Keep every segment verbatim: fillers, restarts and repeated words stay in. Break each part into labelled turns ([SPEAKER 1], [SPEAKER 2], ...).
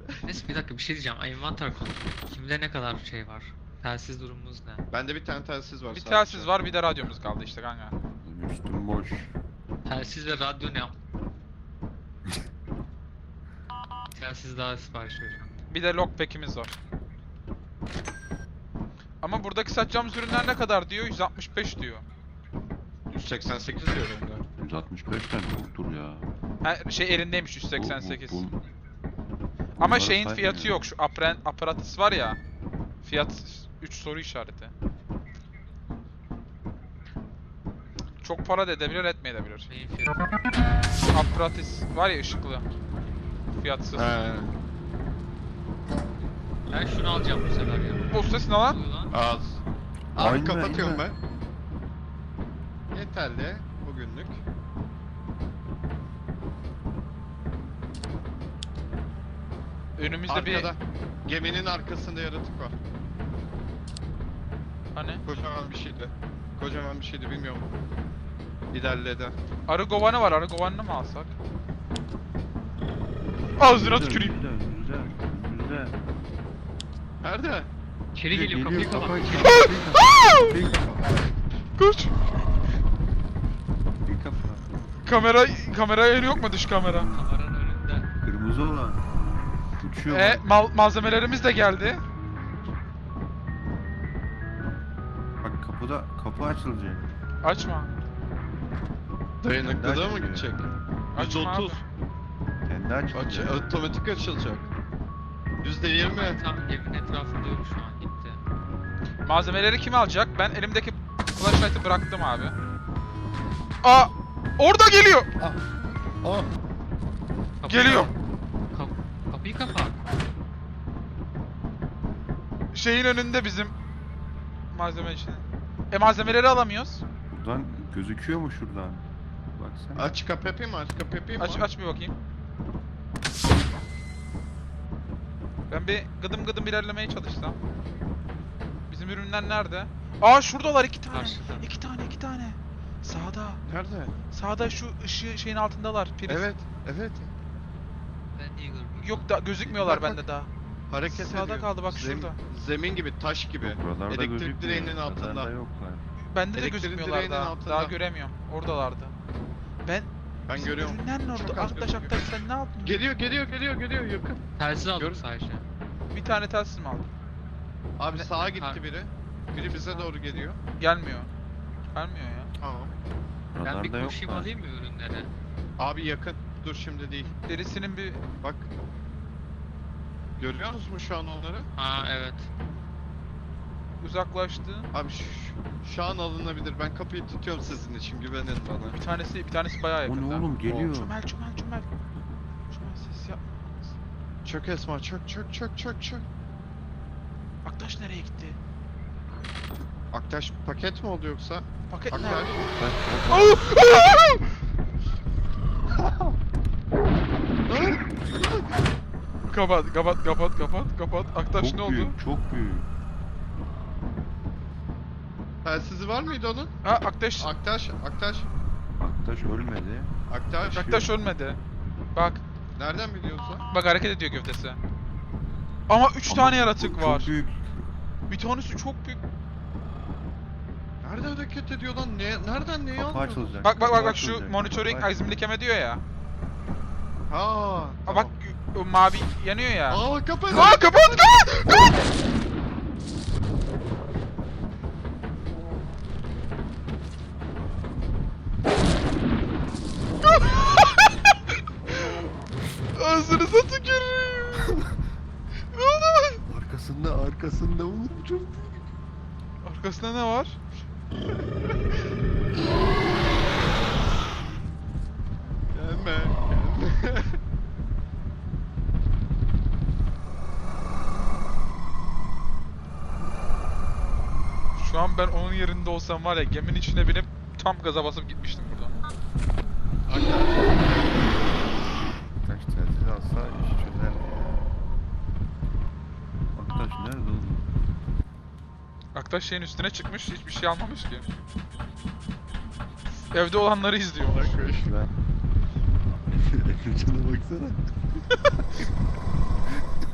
[SPEAKER 1] Neyse bir dakika bir şey diyeceğim. Envanter konu. Kimde ne kadar şey var? Telsiz durumumuz ne?
[SPEAKER 2] Bende bir tane telsiz var
[SPEAKER 3] Bir
[SPEAKER 2] sadece.
[SPEAKER 3] telsiz var, bir de radyomuz kaldı işte kanka.
[SPEAKER 4] Üstüm boş.
[SPEAKER 1] Telsiz ve radyo ne? Telsiz daha sipariş veriyorum.
[SPEAKER 3] Bir de lockpick'imiz var. Ama buradaki satacağımız ürünler ne kadar diyor? yüz altmış beş diyor.
[SPEAKER 2] yüz seksen sekiz diyor bende.
[SPEAKER 4] yüz altmış beş tane çoktur ya.
[SPEAKER 3] Ha, şey elindeymiş yüz seksen sekiz.
[SPEAKER 4] Bu- bu- bu-
[SPEAKER 3] Ama
[SPEAKER 4] bunları
[SPEAKER 3] şeyin
[SPEAKER 4] saymıyor.
[SPEAKER 3] fiyatı yok. Şu apren, aparatus var ya. Fiyat üç soru işareti. Çok para da edebilir, etmeyebilir.
[SPEAKER 1] Neyin fiyatı?
[SPEAKER 3] Aparatus var ya, ışıklı. Fiyatsız.
[SPEAKER 2] He.
[SPEAKER 1] Ben şunu alacağım bu sefer ya.
[SPEAKER 3] Bu ses ne lan?
[SPEAKER 1] Oluyor lan.
[SPEAKER 2] Az. Abi
[SPEAKER 4] Aynen,
[SPEAKER 2] kapatıyorum
[SPEAKER 4] aynen.
[SPEAKER 2] ben. Yeterli bugünlük.
[SPEAKER 3] Önümüzde
[SPEAKER 2] Arkada. Geminin arkasında yaratık var.
[SPEAKER 3] bir... Hani?
[SPEAKER 2] Kocaman bir şeydi. Kocaman bir şeydi bilmiyorum. İlerledi.
[SPEAKER 3] Arı kovanı var, arı kovanını mı alsak? Ağzına
[SPEAKER 4] Önümüzde,
[SPEAKER 3] tüküreyim.
[SPEAKER 4] önümüzde, önümüzde, önümüzde.
[SPEAKER 2] Nerede?
[SPEAKER 1] İçeri geliyor kapıyı
[SPEAKER 4] Geliyor,
[SPEAKER 1] kapat.
[SPEAKER 4] kapat.
[SPEAKER 1] İçeri-
[SPEAKER 4] Kapıyı kapat.
[SPEAKER 3] Kaç!
[SPEAKER 4] Kapıyı kapat.
[SPEAKER 3] Kamera, kamera yeri yok mu, dış kamera?
[SPEAKER 1] Kameranın önünde.
[SPEAKER 4] Kırmızı olan. Uçuyor
[SPEAKER 3] E,
[SPEAKER 4] bak.
[SPEAKER 3] mal malzemelerimiz de geldi.
[SPEAKER 4] Bak kapıda, kapı açılacak.
[SPEAKER 3] Açma.
[SPEAKER 2] Dayanıklılığa mı
[SPEAKER 4] açılıyor.
[SPEAKER 2] gidecek?
[SPEAKER 3] Açma
[SPEAKER 2] yüz otuz.
[SPEAKER 4] Kendi
[SPEAKER 2] Aç,
[SPEAKER 4] açılacak.
[SPEAKER 2] otomatik açılacak. yüzde yirmi.
[SPEAKER 1] Tam evin etrafında yok şu an gitti.
[SPEAKER 3] Malzemeleri kim alacak? Ben elimdeki flashlight'ı bıraktım abi. Aa! Orada geliyor!
[SPEAKER 2] Ah.
[SPEAKER 1] Kapıyı
[SPEAKER 3] Geliyor.
[SPEAKER 1] Kap kapıyı kapat.
[SPEAKER 3] Şeyin önünde bizim malzeme için. E malzemeleri alamıyoruz.
[SPEAKER 4] Buradan gözüküyor mu şuradan? Baksana.
[SPEAKER 2] Aç kapı yapayım mı? Aç kapı yapayım mı?
[SPEAKER 3] Aç aç bir bakayım. Ben bir gıdım gıdım ilerlemeye çalışsam. Bizim ürünler nerede? Aa şuradalar iki tane.
[SPEAKER 1] Karşıda.
[SPEAKER 3] İki tane iki tane. Sağda.
[SPEAKER 2] Nerede?
[SPEAKER 3] Sağda şu ışığı şeyin altındalar. Priz.
[SPEAKER 2] Evet, evet.
[SPEAKER 1] Ben niye görmüyorum?
[SPEAKER 3] Yok da gözükmüyorlar
[SPEAKER 2] Bak, bak.
[SPEAKER 3] bende daha.
[SPEAKER 2] Hareket
[SPEAKER 3] Sağda
[SPEAKER 2] ediyor.
[SPEAKER 3] kaldı, bak
[SPEAKER 2] Zem-
[SPEAKER 3] şurada.
[SPEAKER 2] Zemin gibi, taş gibi.
[SPEAKER 4] Buralarda
[SPEAKER 2] Elektrik
[SPEAKER 4] gözükmüyor.
[SPEAKER 2] direğinin altında.
[SPEAKER 4] Buralarda yoklar.
[SPEAKER 3] Bende de
[SPEAKER 2] Elektrik
[SPEAKER 3] gözükmüyorlar
[SPEAKER 2] direğinin
[SPEAKER 3] daha.
[SPEAKER 2] altında.
[SPEAKER 3] Daha göremiyorum. Oradalardı. Ben
[SPEAKER 2] Ben
[SPEAKER 3] Bizim
[SPEAKER 2] görüyorum.
[SPEAKER 3] ürünler ne
[SPEAKER 2] Çok
[SPEAKER 3] oldu?
[SPEAKER 2] az
[SPEAKER 3] Arkadaş
[SPEAKER 2] gözüküyor.
[SPEAKER 3] arkadaş sen ne yaptın?
[SPEAKER 2] Geliyor, geliyor, geliyor, geliyor yakın.
[SPEAKER 1] Telsiz aldım
[SPEAKER 2] Gör-
[SPEAKER 1] sadece.
[SPEAKER 3] Bir tane telsiz mi aldın?
[SPEAKER 2] Abi
[SPEAKER 3] Ne-
[SPEAKER 2] sağa gitti
[SPEAKER 1] Ha.
[SPEAKER 2] biri. Biri bize doğru geliyor.
[SPEAKER 3] Gelmiyor. Gelmiyor ya.
[SPEAKER 2] Tamam.
[SPEAKER 1] Ben bir
[SPEAKER 4] Buralarda
[SPEAKER 1] koşayım
[SPEAKER 4] yoklar.
[SPEAKER 1] alayım mı ürünleri?
[SPEAKER 2] Abi yakın. Dur şimdi değil.
[SPEAKER 3] Birisinin bir...
[SPEAKER 2] Bak. Görüyor musun mu şu an onları?
[SPEAKER 1] Ha evet.
[SPEAKER 3] uzaklaştı.
[SPEAKER 2] Abi şu, şu an alınabilir. Ben kapıyı tutuyorum sizin için. Güvenin bana.
[SPEAKER 3] Bir tanesi bir tanesi bayağı
[SPEAKER 4] O
[SPEAKER 3] yakında.
[SPEAKER 4] ne oğlum geliyor.
[SPEAKER 3] Çömel çömel çömel. Çömel ses yapma.
[SPEAKER 2] Çök Esma, çök, çök, çök, çök, çök.
[SPEAKER 3] Aktaş nereye gitti?
[SPEAKER 2] Aktaş paket mi oldu yoksa?
[SPEAKER 3] Paket
[SPEAKER 2] Aktaş.
[SPEAKER 3] nerede?
[SPEAKER 4] Bak, bak,
[SPEAKER 3] Kapat kapat kapat kapat kapat. Aktaş
[SPEAKER 4] Çok
[SPEAKER 3] ne oldu?
[SPEAKER 4] büyük, çok büyük.
[SPEAKER 2] Telsizi var mıydı onun?
[SPEAKER 3] Ha Aktaş.
[SPEAKER 2] Aktaş, Aktaş,
[SPEAKER 4] Aktaş ölmedi.
[SPEAKER 2] Aktaş.
[SPEAKER 3] Aktaş ölmedi. Bak
[SPEAKER 2] Nereden biliyorsun?
[SPEAKER 3] bak hareket ediyor gövdesi. Ama üç
[SPEAKER 4] Ama
[SPEAKER 3] tane
[SPEAKER 4] bu
[SPEAKER 3] yaratık var.
[SPEAKER 4] Çok büyük.
[SPEAKER 3] Bir tanesi çok büyük.
[SPEAKER 2] Nerede hareket ediyor lan? Ne, nereden neyi
[SPEAKER 4] Kapı
[SPEAKER 2] anlıyor?
[SPEAKER 4] açılacak.
[SPEAKER 3] Bak bak bak
[SPEAKER 4] kapı
[SPEAKER 3] bak şu
[SPEAKER 4] açılacak,
[SPEAKER 3] monitoring
[SPEAKER 4] kapı
[SPEAKER 3] azimli keme diyor ya.
[SPEAKER 2] Ha,
[SPEAKER 3] Aa,
[SPEAKER 2] tamam.
[SPEAKER 3] bak o mavi yanıyor ya.
[SPEAKER 2] Aa kapat.
[SPEAKER 3] Aa kapat kapat kapat. Ağzınıza tükürüyorum. Ne oldu?
[SPEAKER 4] Arkasında, arkasında oğlum çok.
[SPEAKER 3] Arkasında ne var?
[SPEAKER 2] Gelme, gelme.
[SPEAKER 3] Şu an ben onun yerinde olsam var ya geminin içine binip tam gaza basıp gitmiştim buradan.
[SPEAKER 2] Aktaş.
[SPEAKER 4] Aktaş telsiz alsa iş çözer ya. Aktaş nerede oğlum?
[SPEAKER 3] Aktaş şeyin üstüne çıkmış, hiçbir şey almamış ki. Evde olanları izliyor.
[SPEAKER 2] Aktaş.
[SPEAKER 4] Ben... Efecan'a baksana.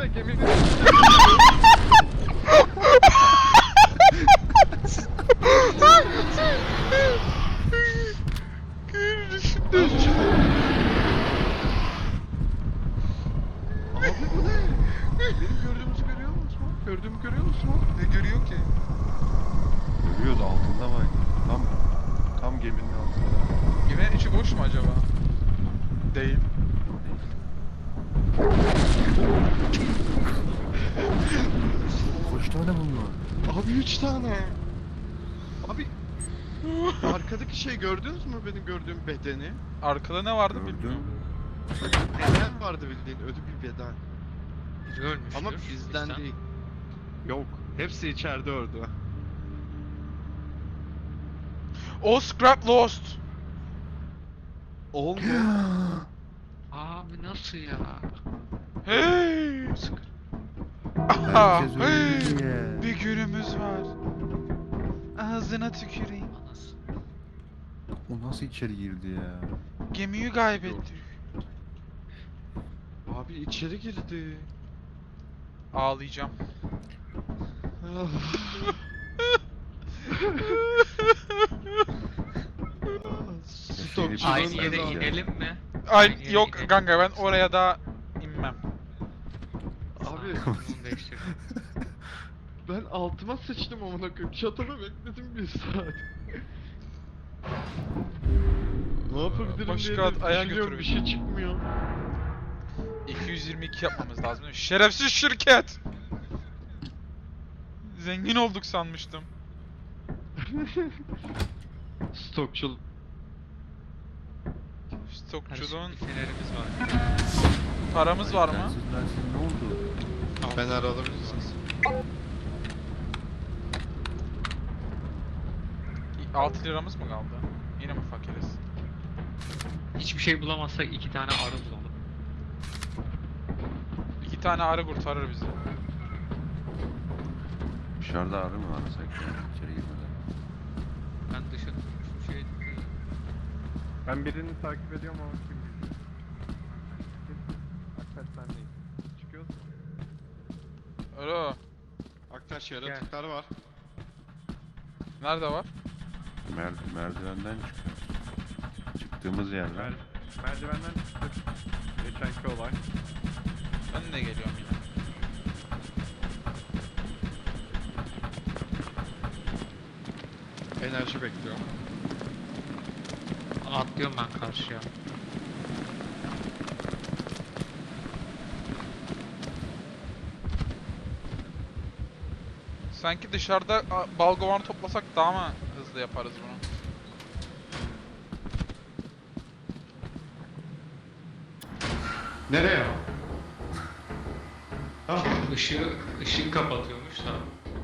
[SPEAKER 2] içine geminin Abi bu ne? Benim gördüğümüzü görüyor musun? Gördüğümü görüyor musun?
[SPEAKER 3] Ne görüyor ki?
[SPEAKER 4] Görüyoruz altında bak. Tam tam geminin altında.
[SPEAKER 3] Geminin içi boş mu acaba? Değil.
[SPEAKER 4] Kaç tane bunlar?
[SPEAKER 2] Abi üç tane. Abi arkadaki şey gördünüz mü benim gördüğüm bedeni?
[SPEAKER 3] Arkada ne vardı
[SPEAKER 4] Gördüm.
[SPEAKER 3] bilmiyorum.
[SPEAKER 2] Beden vardı bildiğin ölü bir beden.
[SPEAKER 1] Biri ölmüştür.
[SPEAKER 2] Ama bizden değil. Yok. Hepsi içeride öldü.
[SPEAKER 3] O Scrap Lost.
[SPEAKER 2] Olmuyor.
[SPEAKER 1] Abi nasıl ya?
[SPEAKER 3] Hey! Aha!
[SPEAKER 4] Herkes
[SPEAKER 3] Hey!
[SPEAKER 4] öldü diye.
[SPEAKER 3] Bir günümüz var. Ağzına tüküreyim.
[SPEAKER 1] Anasını.
[SPEAKER 4] O nasıl içeri girdi ya?
[SPEAKER 3] Gemiyi kaybettik.
[SPEAKER 2] Abi içeri girdi.
[SPEAKER 3] Ağlayacağım.
[SPEAKER 2] Stokçunun
[SPEAKER 1] Aynı yere
[SPEAKER 2] mezarı.
[SPEAKER 1] inelim mi?
[SPEAKER 3] Ay
[SPEAKER 1] Aynı yere
[SPEAKER 3] yok
[SPEAKER 1] inelim.
[SPEAKER 3] kanka ben oraya da inmem.
[SPEAKER 2] Abi
[SPEAKER 1] Bunu değiştir.
[SPEAKER 2] ben altıma sıçtım amına koyayım. Çatıda bekledim bir saat. Ne yapabilirim
[SPEAKER 3] Başka
[SPEAKER 2] diye
[SPEAKER 3] at-
[SPEAKER 2] de
[SPEAKER 3] ayağa
[SPEAKER 2] düşünüyorum,
[SPEAKER 3] götür
[SPEAKER 2] bir şey çıkmıyor.
[SPEAKER 3] iki yüz yirmi iki yapmamız lazım değil mi? Şerefsiz şirket! Zengin olduk sanmıştım.
[SPEAKER 2] Stokçul.
[SPEAKER 3] Stokçuluğun
[SPEAKER 1] Bir fenerimiz var.
[SPEAKER 3] paramız var mı?
[SPEAKER 4] Sensiz bensiz ne oldu?
[SPEAKER 2] Fener alabilirsiniz.
[SPEAKER 3] altı liramız mı kaldı? Yine mi fakiriz?
[SPEAKER 1] Hiçbir şey bulamazsak iki tane arı bulalım.
[SPEAKER 3] İki tane arı kurtarır bizi.
[SPEAKER 4] Dışarıda arı mı arasak ya? İçeri girmeden.
[SPEAKER 1] Ben dışarı şu şey...
[SPEAKER 2] Ben birini takip ediyorum ama kim bilir. Aktaş sendeyiz. Çıkıyoruz mu?
[SPEAKER 3] Alo.
[SPEAKER 2] Aktaş yaratıklar var.
[SPEAKER 3] Nerede var?
[SPEAKER 4] Mer merdivenden çıkıyor. Çıktığımız yerler.
[SPEAKER 2] Mer merdivenden çıktık. Geçenki olay.
[SPEAKER 3] Ben de geliyorum yine.
[SPEAKER 2] Enerji bekliyorum.
[SPEAKER 1] Atlıyorum ben karşıya.
[SPEAKER 3] Sanki dışarıda a, bal kovanı toplasak daha mı hızlı yaparız bunu?
[SPEAKER 2] Nereye? Ah.
[SPEAKER 1] Işığı, ışığı kapatıyormuş da.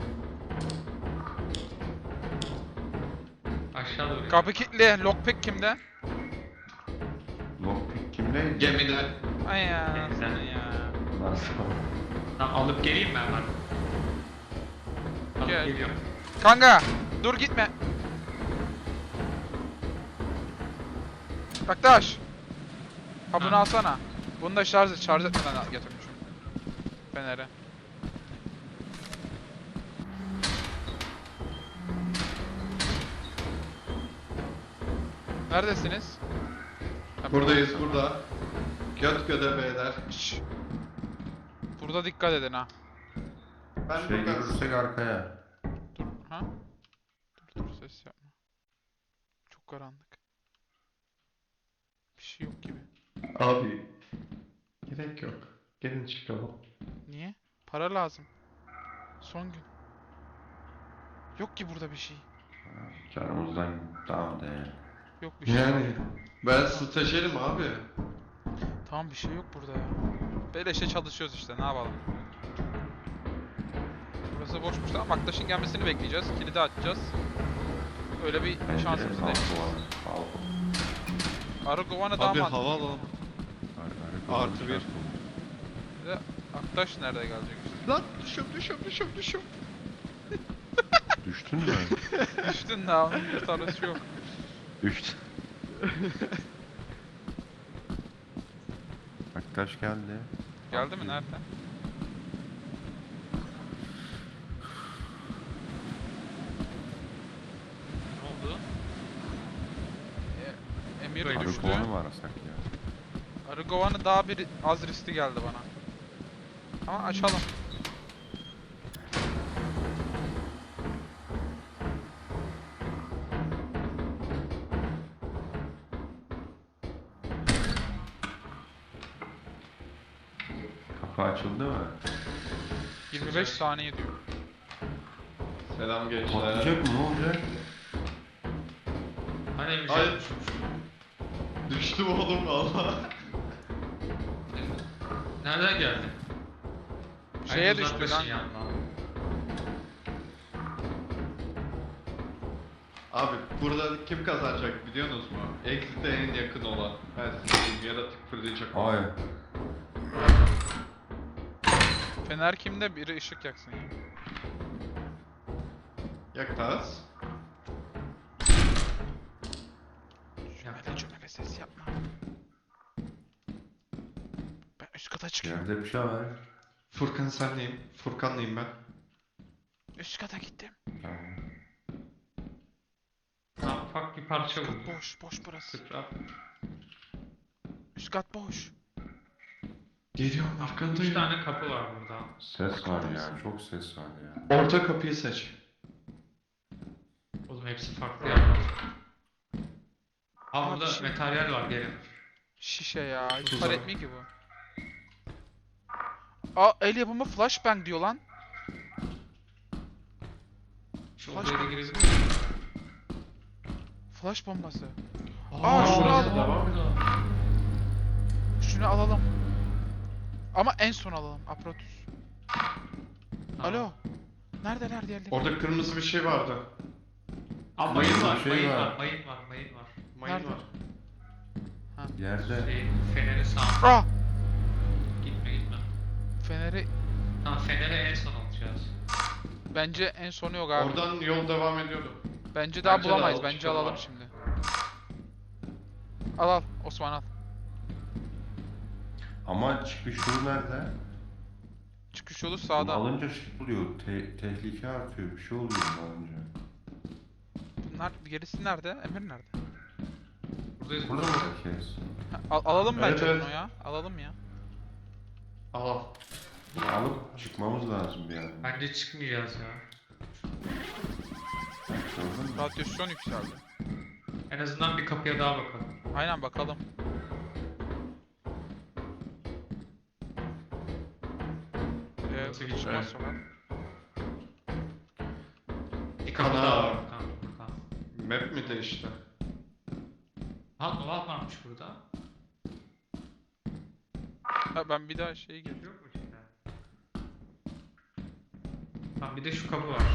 [SPEAKER 1] Aşağı doğru.
[SPEAKER 3] Kapı kilitli. Lockpick kimde?
[SPEAKER 4] Lockpick kimdeydi?
[SPEAKER 2] Gemide.
[SPEAKER 3] Ay ya.
[SPEAKER 1] Neyse.
[SPEAKER 3] Sen ya.
[SPEAKER 4] Nasıl?
[SPEAKER 1] Tamam, alıp geleyim mi hemen? Alıp
[SPEAKER 3] Gel.
[SPEAKER 1] geliyorum.
[SPEAKER 3] Kanka dur gitme. Arkadaş. Ha bunu
[SPEAKER 1] Ha.
[SPEAKER 3] alsana. Bunu da şarj et. Şarj etmeden al- getirmişim. Feneri. Neredesiniz? Ha,
[SPEAKER 2] Buradayız burada. Göt göde beyler.
[SPEAKER 3] Şşş. Burada dikkat edin ha.
[SPEAKER 2] Ben
[SPEAKER 4] Şey
[SPEAKER 2] burada.
[SPEAKER 4] görürsek arkaya.
[SPEAKER 3] Dur ha. Dur dur ses yapma. Çok karanlık. Bir şey yok gibi.
[SPEAKER 2] Abi. Gerek yok. Gelin çıkalım.
[SPEAKER 3] Niye? Para lazım. Son gün. Yok ki burada bir şey.
[SPEAKER 4] Canımızdan tamam de.
[SPEAKER 3] Yok bir şey.
[SPEAKER 2] Yani ben stajyerim abi.
[SPEAKER 3] Tamam bir şey yok burada ya. Beleşe çalışıyoruz işte ne yapalım. Burası boşmuş tamam Aktaş'ın gelmesini bekleyeceğiz. Kilidi açacağız. Öyle bir şansımız değil. Arı kovanı daha
[SPEAKER 2] Abi
[SPEAKER 3] mantıklı.
[SPEAKER 2] hava alalım. Artı bir.
[SPEAKER 3] Bir de Aktaş nerede gelecek işte.
[SPEAKER 2] Lan düşüyorum düşüyorum düşüyorum düşüyorum.
[SPEAKER 4] Düştün mü?
[SPEAKER 3] Düştün daha onun bir tanesi yok.
[SPEAKER 4] Düştün. Aktaş geldi.
[SPEAKER 3] Geldi mi nerede? Emir
[SPEAKER 1] Böyle
[SPEAKER 3] düştü.
[SPEAKER 4] Arı kovanı mı arasak ya?
[SPEAKER 3] Arı kovanı daha bir az riskli geldi bana. Ama açalım.
[SPEAKER 4] Kapı açıldı mı?
[SPEAKER 3] yirmi beş saniye diyor.
[SPEAKER 2] Selam gençler.
[SPEAKER 4] Patlayacak mı? Ne olacak?
[SPEAKER 1] Hani Emir
[SPEAKER 2] Ay.
[SPEAKER 1] can-
[SPEAKER 2] Düştüm oğlum valla.
[SPEAKER 1] Nereden geldin?
[SPEAKER 3] Şeye
[SPEAKER 1] Ay,
[SPEAKER 3] düştü
[SPEAKER 1] uzaklaşın
[SPEAKER 3] lan.
[SPEAKER 1] yandan.
[SPEAKER 2] Abi burada kim kazanacak biliyorsunuz mu? Exit'e en yakın olan. Her sizin yaratık fırlayacak.
[SPEAKER 4] Ay.
[SPEAKER 3] Fener kimde? Biri ışık yaksın ya.
[SPEAKER 2] Yak Taz.
[SPEAKER 3] Cümle cümle ses yapma. Ben üst kata çıkıyorum.
[SPEAKER 4] Yerde bir şey var.
[SPEAKER 2] Furkan senleyim. Furkanlıyım ben.
[SPEAKER 3] Üst kata gittim.
[SPEAKER 4] Tamam.
[SPEAKER 1] Ha, ufak bir parça
[SPEAKER 3] Üst
[SPEAKER 1] buldum.
[SPEAKER 3] kat boş, boş burası.
[SPEAKER 1] Sıçra.
[SPEAKER 3] Üst kat boş.
[SPEAKER 2] Geliyorum
[SPEAKER 1] Üç
[SPEAKER 2] arkandayım.
[SPEAKER 1] tane kapı var burada.
[SPEAKER 4] Ses var ya. Çok ses var ya.
[SPEAKER 2] Orta kapıyı seç.
[SPEAKER 1] Oğlum hepsi farklı yerler. Aa
[SPEAKER 3] Abi
[SPEAKER 1] burada
[SPEAKER 3] şimdi-
[SPEAKER 1] materyal var gelin.
[SPEAKER 3] Şişe ya. Hiç
[SPEAKER 2] Tuzak.
[SPEAKER 3] para etmiyor ki bu. Aa el yapımı flashbang diyor lan.
[SPEAKER 1] Şu
[SPEAKER 3] Flash
[SPEAKER 1] odaya da
[SPEAKER 3] bombası.
[SPEAKER 1] girebilir miyim?
[SPEAKER 3] Flash bombası.
[SPEAKER 1] Aa,
[SPEAKER 3] Aa, şunu al.
[SPEAKER 1] devam ediyor.
[SPEAKER 3] Şunu alalım. Ama en son alalım. Aprotus.
[SPEAKER 1] Tamam.
[SPEAKER 3] Alo. Neredeler diğerleri?
[SPEAKER 2] Orada kırmızı bir şey vardı.
[SPEAKER 1] Aa mayın var,
[SPEAKER 4] Şey
[SPEAKER 1] mayın
[SPEAKER 4] var.
[SPEAKER 1] var, mayın var, mayın var.
[SPEAKER 2] Mayın
[SPEAKER 3] Nerede?
[SPEAKER 2] var.
[SPEAKER 4] Yerde.
[SPEAKER 1] Şey, feneri sağ.
[SPEAKER 3] Ah!
[SPEAKER 1] Gitme gitme.
[SPEAKER 3] Feneri
[SPEAKER 1] Tamam feneri en son alacağız.
[SPEAKER 3] bence en sonu yok abi.
[SPEAKER 2] Oradan yol devam ediyordu.
[SPEAKER 3] Bence daha
[SPEAKER 2] Bence de
[SPEAKER 3] bulamayız.
[SPEAKER 2] al,
[SPEAKER 3] Bence
[SPEAKER 2] çıkalım
[SPEAKER 3] alalım
[SPEAKER 2] abi.
[SPEAKER 3] şimdi. Al al. Osman al.
[SPEAKER 4] Ama çıkış yolu nerede?
[SPEAKER 3] Çıkış yolu
[SPEAKER 4] Bunu
[SPEAKER 3] sağda.
[SPEAKER 4] alınca şey oluyor. Te- tehlike artıyor. Bir şey oluyor bunu alınca.
[SPEAKER 3] Bunlar gerisi nerede? Emir nerede?
[SPEAKER 1] Buradayız.
[SPEAKER 4] Burada mı herkes?
[SPEAKER 3] Ha, al- alalım
[SPEAKER 2] Evet,
[SPEAKER 3] bence
[SPEAKER 2] evet.
[SPEAKER 3] bunu ya. Alalım ya.
[SPEAKER 2] Al.
[SPEAKER 4] Bunu alıp çıkmamız lazım bir yerden.
[SPEAKER 1] Bence çıkmayacağız ya.
[SPEAKER 4] Gördün mü?
[SPEAKER 3] Radyasyon yükseldi.
[SPEAKER 1] En azından bir kapıya daha bakalım.
[SPEAKER 3] Aynen bakalım. Ee,
[SPEAKER 1] Nasıl
[SPEAKER 3] çıkmaz
[SPEAKER 1] geçer?
[SPEAKER 3] sonra.
[SPEAKER 1] Bir kapı
[SPEAKER 2] Ana.
[SPEAKER 1] daha var. Tamam, tamam.
[SPEAKER 2] Map mi değişti?
[SPEAKER 1] Ha dolap varmış burada.
[SPEAKER 3] Ha, ben bir daha şeye girdim.
[SPEAKER 1] Yok mu içinde? Tamam bir de şu kapı var.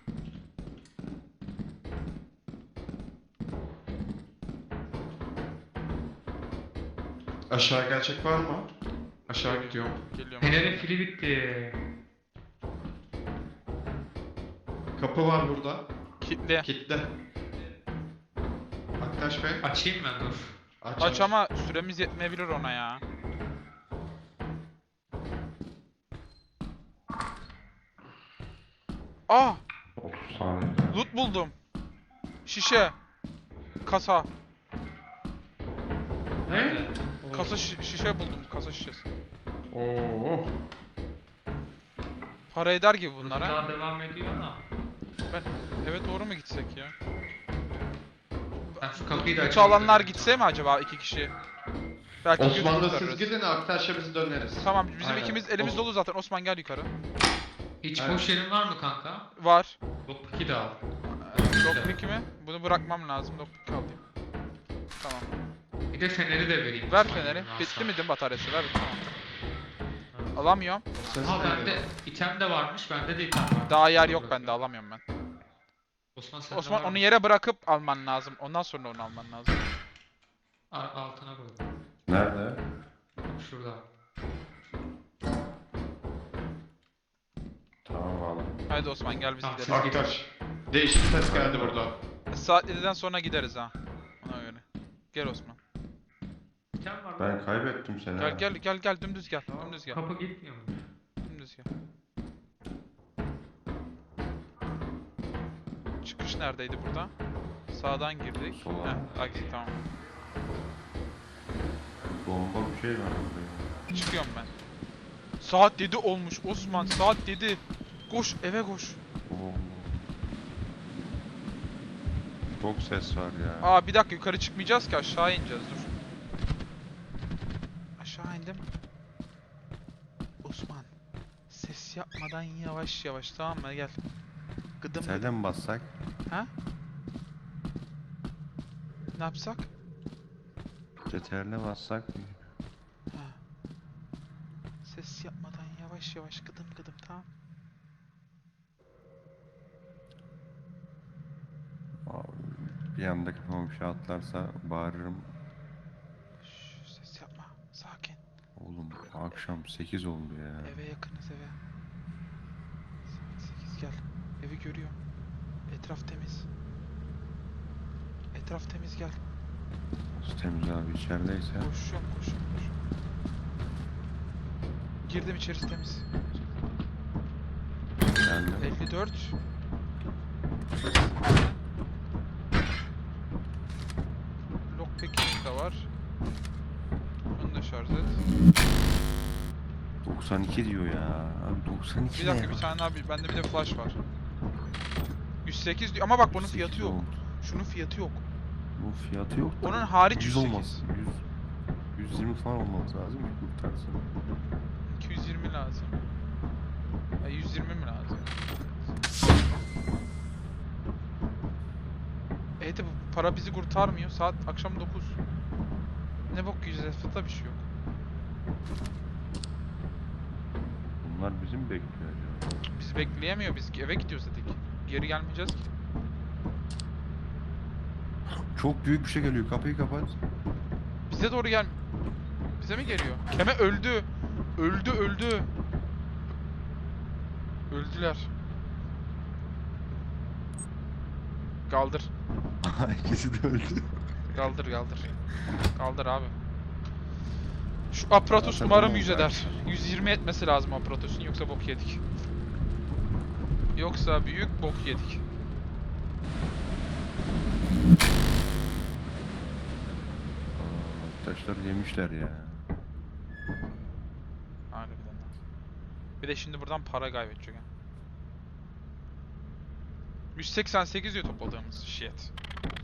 [SPEAKER 2] Aşağı gelecek var mı? Aşağı gidiyorum.
[SPEAKER 3] Geliyorum.
[SPEAKER 1] Fenerin fili bitti.
[SPEAKER 2] Kapı var burada.
[SPEAKER 3] Kitle.
[SPEAKER 2] Kitle. Aktaş Bey.
[SPEAKER 1] Açayım ben dur.
[SPEAKER 2] Aç,
[SPEAKER 3] Aç ama süremiz yetmeyebilir ona ya. Aa!
[SPEAKER 4] otuz saniye.
[SPEAKER 3] Loot buldum. Şişe. Kasa.
[SPEAKER 1] Nerede?
[SPEAKER 3] Kasa şi- şişe buldum. Kasa şişesi.
[SPEAKER 2] Oo.
[SPEAKER 3] Para eder gibi
[SPEAKER 1] Bunlar
[SPEAKER 3] bunlar ha.
[SPEAKER 1] daha devam ediyor da.
[SPEAKER 3] Ben eve doğru mu gitsek ya?
[SPEAKER 1] Ben şu kapıyı da
[SPEAKER 3] Loot
[SPEAKER 1] açayım.
[SPEAKER 3] alanlar gitse mi acaba iki kişi? Belki
[SPEAKER 2] Osman'la
[SPEAKER 3] götürürüz,
[SPEAKER 2] siz
[SPEAKER 3] ararız.
[SPEAKER 2] gidin, Aktaş'a biz döneriz.
[SPEAKER 3] Tamam bizim
[SPEAKER 2] Aynen.
[SPEAKER 3] ikimiz elimiz
[SPEAKER 2] Os-
[SPEAKER 3] dolu zaten. Osman gel yukarı.
[SPEAKER 1] Hiç
[SPEAKER 2] Evet.
[SPEAKER 1] boş yerin var mı kanka?
[SPEAKER 3] Var.
[SPEAKER 1] Lockpick'i de al.
[SPEAKER 3] Lockpick mi? Bunu bırakmam lazım. Lockpick alayım. Tamam.
[SPEAKER 1] Bir de feneri de vereyim.
[SPEAKER 3] Ver
[SPEAKER 1] Osman
[SPEAKER 3] feneri.
[SPEAKER 1] yerine
[SPEAKER 3] Bitti
[SPEAKER 1] alsam.
[SPEAKER 3] mi değil mi bataryası? Ver. Tamam.
[SPEAKER 1] Evet.
[SPEAKER 3] Alamıyorum.
[SPEAKER 2] Ses
[SPEAKER 1] Ha
[SPEAKER 2] geliyor.
[SPEAKER 1] bende item de varmış. Bende de item var.
[SPEAKER 3] Daha yer
[SPEAKER 1] Dur
[SPEAKER 3] yok
[SPEAKER 1] bakayım.
[SPEAKER 3] bende. Alamıyorum ben.
[SPEAKER 1] Osman sende
[SPEAKER 3] Osman
[SPEAKER 1] var
[SPEAKER 3] onu
[SPEAKER 1] mı?
[SPEAKER 3] yere bırakıp alman lazım. Ondan sonra onu alman lazım.
[SPEAKER 1] Al- altına koy.
[SPEAKER 4] Nerede?
[SPEAKER 1] Şurada.
[SPEAKER 4] Tamam aldım.
[SPEAKER 3] Haydi Osman gel biz
[SPEAKER 1] Tamam,
[SPEAKER 3] gidelim.
[SPEAKER 2] Aktaş. Değişik ses geldi burada.
[SPEAKER 3] Saat yediden sonra gideriz ha. Ona göre. Gel Osman.
[SPEAKER 1] İtem var mı?
[SPEAKER 4] Ben kaybettim seni.
[SPEAKER 3] Gel
[SPEAKER 4] ha.
[SPEAKER 3] gel gel gel dümdüz gel. Dümdüz gel.
[SPEAKER 1] Kapı gitmiyor mu?
[SPEAKER 3] Dümdüz gel. Çıkış neredeydi burada? Sağdan girdik.
[SPEAKER 4] Sola.
[SPEAKER 3] Heh, aksi tamam.
[SPEAKER 4] Bomba bir şey var burada ya.
[SPEAKER 3] Çıkıyorum ben. Saat yedi olmuş Osman, saat yedi. Koş eve koş.
[SPEAKER 4] Oo. Çok ses var ya.
[SPEAKER 3] Aa bir dakika, yukarı çıkmayacağız ki, aşağı ineceğiz, dur. Aşağı indim. Osman, ses yapmadan yavaş yavaş, tamam mı, gel. Gıdım gıdım.
[SPEAKER 4] Nereden bassak?
[SPEAKER 3] Ha? Ne yapsak?
[SPEAKER 4] C T R L'e bassak.
[SPEAKER 3] Ha. Ses yapmadan yavaş yavaş, gıdım gıdım, tamam.
[SPEAKER 4] Abi, bir anda kafama bir şey atlarsa bağırırım.
[SPEAKER 3] Şş, ses yapma, sakin.
[SPEAKER 4] Oğlum akşam sekiz oldu ya.
[SPEAKER 3] Eve yakınız, eve. Saat sekiz, gel. Evi görüyorum. Etraf temiz. Etraf temiz, gel.
[SPEAKER 4] Nasıl temiz abi içerideyse.
[SPEAKER 3] Koşuyorum, koşuyorum, koşuyorum. Girdim, içerisi temiz.
[SPEAKER 4] Geldim.
[SPEAKER 3] elli dört. Lockpick'im de var. Bunu da şarj et.
[SPEAKER 4] doksan iki diyor ya. Abi doksan iki
[SPEAKER 3] Bir
[SPEAKER 4] ne
[SPEAKER 3] dakika,
[SPEAKER 4] ya?
[SPEAKER 3] bir tane abi, bende bir de flash var. yüz sekiz diyor ama bak bunun
[SPEAKER 4] sekiz
[SPEAKER 3] fiyatı yok.
[SPEAKER 4] oldu.
[SPEAKER 3] Şunun fiyatı yok.
[SPEAKER 4] Bu fiyatı yok da.
[SPEAKER 3] Onun hariç
[SPEAKER 4] yüz
[SPEAKER 3] yüz sekiz.
[SPEAKER 4] olmaz. yüz, yüz yirmi falan olması lazım ki kurtarsın.
[SPEAKER 3] iki yüz yirmi lazım. Ya yüz yirmi mi lazım? Evet de bu para bizi kurtarmıyor. Saat akşam dokuz. Ne bok yiyeceğiz? Etrafta bir şey yok.
[SPEAKER 4] Bunlar bizim bekliyor acaba.
[SPEAKER 3] Bizi bekleyemiyor. Biz eve gidiyoruz dedik. Geri gelmeyeceğiz ki.
[SPEAKER 4] Çok büyük bir şey geliyor. Kapıyı kapat.
[SPEAKER 3] Bize doğru gel. Bize mi geliyor? Keme öldü. Öldü, öldü. Öldüler. Kaldır.
[SPEAKER 4] İkisi de öldü.
[SPEAKER 3] Kaldır, kaldır. Kaldır abi. Şu Apratus
[SPEAKER 4] Zaten
[SPEAKER 3] umarım
[SPEAKER 4] oldu
[SPEAKER 3] yüz
[SPEAKER 4] belki.
[SPEAKER 3] eder. yüz yirmi etmesi lazım Apratus'un, yoksa bok yedik. Yoksa büyük bok yedik.
[SPEAKER 4] Aa, taşlar yemişler ya.
[SPEAKER 3] Harbiden lan. Bir de şimdi buradan para kaybedecek ha. yüz seksen sekiz diyor topladığımız shit.